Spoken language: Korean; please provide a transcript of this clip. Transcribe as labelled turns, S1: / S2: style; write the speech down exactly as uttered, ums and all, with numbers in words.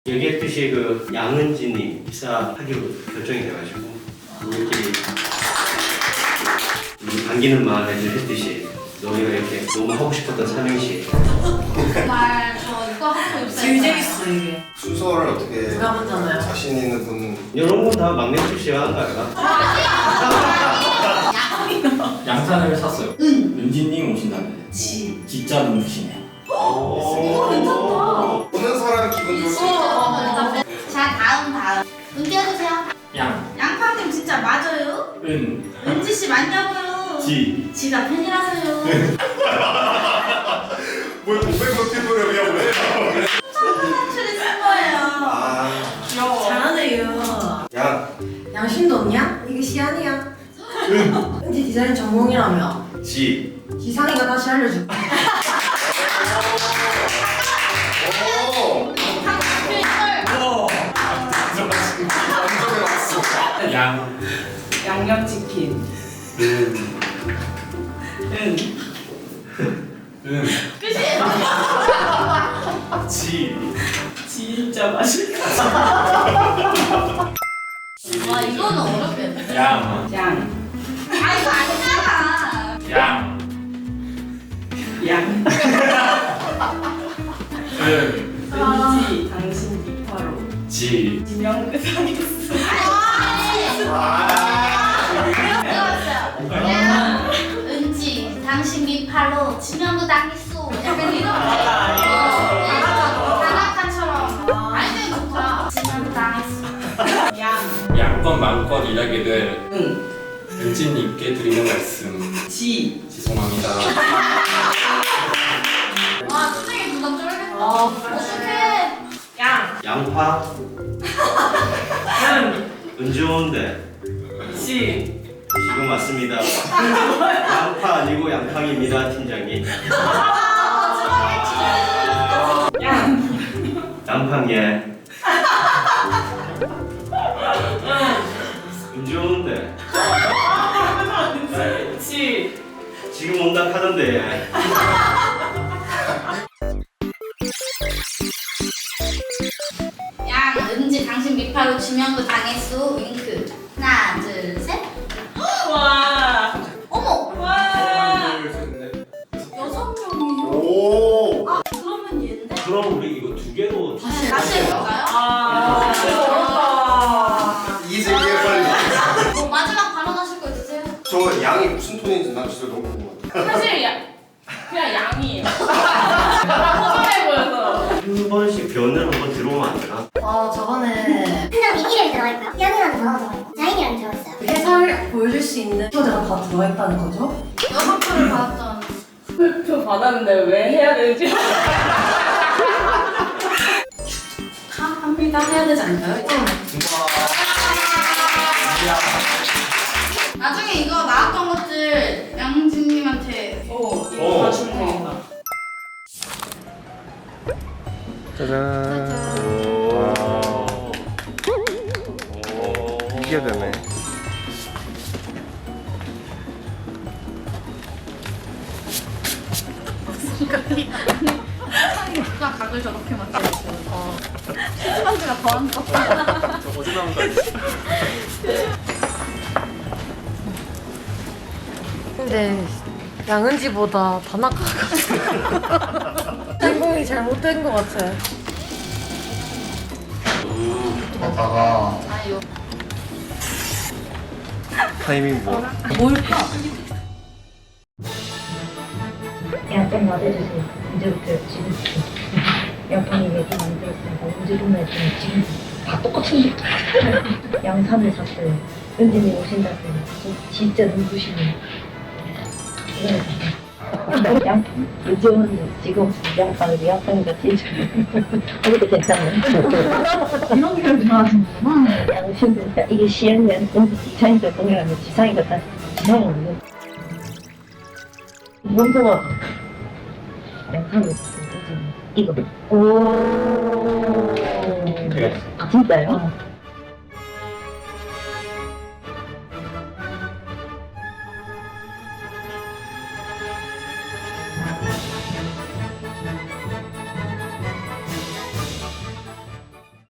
S1: 얘기했듯이 그 양은진이 입사하기로 결정이 돼가지고 우리끼리 우리 반기는 마음에 늘 했듯이 너희가 이렇게 너무 하고 싶었던 삼행시
S2: 정말 저 이거 하고 있어요.
S3: 제일 재밌어 이게.
S4: 순서를 어떻게
S3: 누가 봤잖아요.
S4: 자신 있는 분
S1: 이런 건 다 막내 출시가 한 거야.
S5: 양산을 샀어요.
S2: 은.
S5: 은진님 오신다는데
S3: 지.
S5: 진짜 눈부시네요.
S1: 오,
S2: 괜찮다.
S4: 보는 사람 기분 좋을 수 있어.
S2: 자 다음 다음 은 띄워주세요.
S5: 양,
S2: 양팡님 진짜 맞아요?
S5: 은,
S2: 은지 씨 맞냐고요?
S5: 지.
S2: 지가 팬이라서요.
S4: 뭘 공백 노트북을 그냥 왜?
S2: 사투리 쓴 거예요.
S4: 아,
S3: 귀여워. 잘하네요.
S4: 양,
S3: 양심도 없냐? 이게 시안이야. 은지 디자인 전공이라며.
S4: 지.
S3: 지상이가 다시 알려줄게.
S4: 오, 완전히 왔어.
S5: 양,
S6: 양념치킨.
S5: 은,
S6: 은.
S5: 은,
S1: 지.
S6: 진짜 맛있다.
S2: 와 이거는 어렵겠네.
S5: 양,
S6: 양.
S2: 아 이거 아니잖아.
S5: 양,
S6: 양.
S5: 은,
S6: 은지 당신 비파로.
S5: 지.
S6: 지명그 상했어.
S2: 배웠어요. 야, 은지, 당신 밑팔로 지명도 당했어. 약간 이런 거. 다나카처럼. 알면 좋다. 지명도 당했어.
S6: 양.
S5: 양껏 마음껏 일하게 될
S6: 은.
S5: 은진님께 드리는 말씀
S6: 지.
S5: 죄송합니다.
S2: 와, 투쟁이 부담 쩔겠다.
S3: 어.
S2: 어떡해.
S6: 양.
S1: 양파.
S6: 은.
S1: 은 좋은데
S6: 지.
S1: 지금 맞습니다. 양파 아니고 양팡입니다, 팀장님.
S6: 양.
S1: 양팡예. 은 좋은데
S6: 지.
S1: 지금 온다 하던데.
S2: 양, 은지, 당신 밑팔로 지명도 당했어. 윙크. 하나, 둘, 셋.
S6: 와.
S2: 어머,
S6: 와.
S4: 둘, 셋, 넷.
S2: 여섯 명이요?
S4: 오,
S2: 아, 그러면 얘인데?
S1: 그럼 우리 이거 두 개로
S2: 다시 다시 해볼까요?
S6: 아. 어렵다.
S4: 이제 이해 빨리.
S2: 뭐 마지막 발언하실 거 있으세요?
S4: 저 양이 무슨 톤인지 난 진짜 너무 궁금하다.
S6: 사실 야, 그냥 양이에요. 허전해 보여서.
S1: 한 번씩 변을 한번 들어오면 안 되나?
S3: 어 저번에
S7: 팀장님 이름이 들어가 있고요. 연이라는 단어가 들어가 있고 자인이라는 게 들어가 있어요.
S3: 회사를 보여줄 수 있는 키워드가 다 들어있다는 거죠?
S2: 여섯 표를 받았던.
S6: 표 받았는데 왜 해야 되지?
S2: 다 합니다. 해야 되지 않을까요? 나중에 이거 나왔던 것들 양진님한테
S6: 오,
S1: 오.
S6: 이거 다 주문이다.
S4: 짜잔. 이게 되네.
S2: 누가 각을 저렇게 맞춰주세요. 어. 치즈반지가 더한 거.
S4: 어디 나온 거
S3: 근데 양은지보다 다나카가 행동이 잘못된 것 같아.
S4: 아가
S2: 아유.
S4: 타이밍 뭐?
S3: 뭘까?
S8: 양평 맞아주세요. 이제부터 지금부터 양평이 얘기 만들었으니까 우주룸에 좀 지금 다 똑같은 양산을 샀어요. 은진이 오신다고 지- 진짜 눈부시네. 양 요즘은 지금 양빵이 양빵이가 진짜 어떻게 괜찮네. 이런 걸 좋아하시는구나. 양심도 이게 시행된 은지 지상이가 동일하면 지상이가 다 지상이 없는. 원소가 양상이 있어. 이거. 오.
S5: 그래.
S8: 아 진짜요?